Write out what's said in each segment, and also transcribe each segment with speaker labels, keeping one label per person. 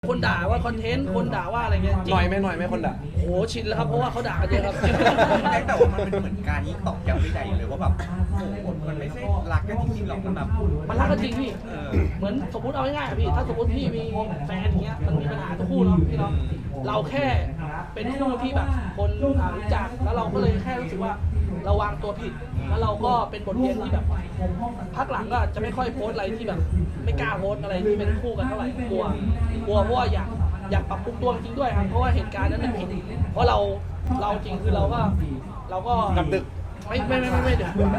Speaker 1: คนด่าว่าคอนเทนต์คนด่าว่าอะไรเงี้ย
Speaker 2: หน่อยไหมคนด่า
Speaker 1: โอ้ชินแล้วครับเพราะว่าเขาด่ากันเยอะครับ
Speaker 3: แต่ว่ามันเป็นเหมือนการยิ่งตอกย้ำไม่ได้เลยว่าแบบโอ้โหมันไม่ใช่รักกันจริงๆหรอกมันแบบ
Speaker 1: มันรักกันจริงพี่เหมือนสมมติเอาง่ายๆอะพี่ถ้าสมมติพี่มีแฟนอย่างเงี้ยมันมีปัญหาทุกคู่เนาะพี่เนาะเราแค่เป็นคู่ที่แบบคนรู้จักแล้วเราก็เลยแค่รู้สึกว่าเราวางตัวผิดแล้วเราก็เป็นบทเรียนที่แบบพักหลังก็จะไม่ค่อยโพสต์อะไรที่แบบไม่กล้าโพสต์อะไรที่เป็นคู่กันเท่าไหร่กลัวเพราะว่าอยากปรับปรุงตัวจริงด้วยครับเพราะว่าเหตุการณ์นั้นมันผิดเพราะเราจริงคือเราก็
Speaker 2: กลับดึก
Speaker 1: ไม่เดี๋ยวไม่กลับเลย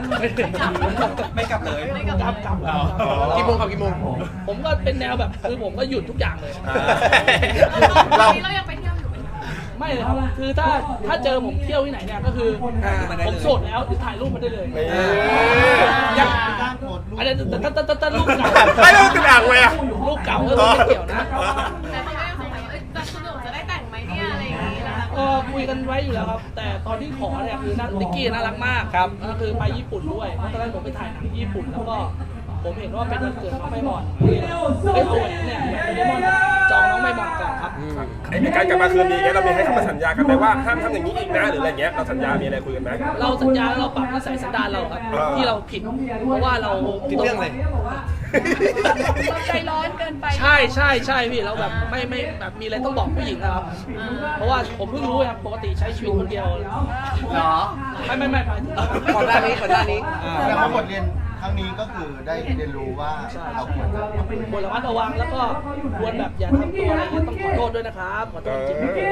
Speaker 1: กลับ
Speaker 2: กี่โมงครับกี่โมง
Speaker 1: ผมก็เป็นแนวแบบคือผมก็หยุดทุกอย่างเลย
Speaker 4: เรายังไปเที่ยวอยู่ไหม
Speaker 1: ไม่เลยครับคือถ้าเจอผมเที่ยวที่ไหนเนี่ยก็คือผมโสดแล้วถ่ายรูปมาได้เลย
Speaker 2: ยัง
Speaker 1: อันนี้แต่รูปเก่า
Speaker 2: ไม่ต้องติดอ่างเลยอะ
Speaker 1: รูปเก่าก็ไม่เกี่ยวนะ
Speaker 4: แต่เขาก็ยังสงสัยจะสนุกจะได้แต่งไหมเนี่ยอะไรอย่างนี้นะคะ
Speaker 1: ก็คุยกันไว้อยู่แล้วครับแต่ตอนที่ขอเนี่ยคือนิกกี้น่ารักมากครับก็คือไปญี่ปุ่นด้วยเพราะตอนนั้นผมไปถ่ายหนังที่ญี่ปุ่นแล้วก็ผมเห็นว่าเป็นวันเกิดน้องไมบอลเลยเอาแหวนเนี่ยโดเรมอนจองน้องไมบอลก่อนครับ
Speaker 5: ไอ้การกลับมาคืนนี้เรามีให้คำสัญญากันไหมว่าห้ามทำอย่างนี้อีกนะหรืออะไรเงี้ยเราสัญญามีอะไรคุยกันไหม
Speaker 1: เราสัญญาเราปรับนิสัยสันดานเราครับที่เราผิดเพราะว่าเรา
Speaker 2: ผิดเรื่องอะไร
Speaker 4: ใจร้อนเกินไป
Speaker 1: ใช่พี่เราแบบไม่แบบมีอะไรต้องบอกผู้หญิงนะครับเพราะว่าผมเพิ่งรู้ครับปกติใช้ชีวิตคนเดียว
Speaker 2: เหรอ
Speaker 1: ไม่
Speaker 2: ก่อนหน้านี้
Speaker 6: แต่ว่าบทเรียนครั้งนี้ก็คือได้เรียนรู้ว่าเราควรจะ
Speaker 1: ควรระมัดระวังแล้วก็ควรแบบอย่าทำตัวอะไรเงี้ยต้องขอโทษด้วยนะครับขอโทษจริง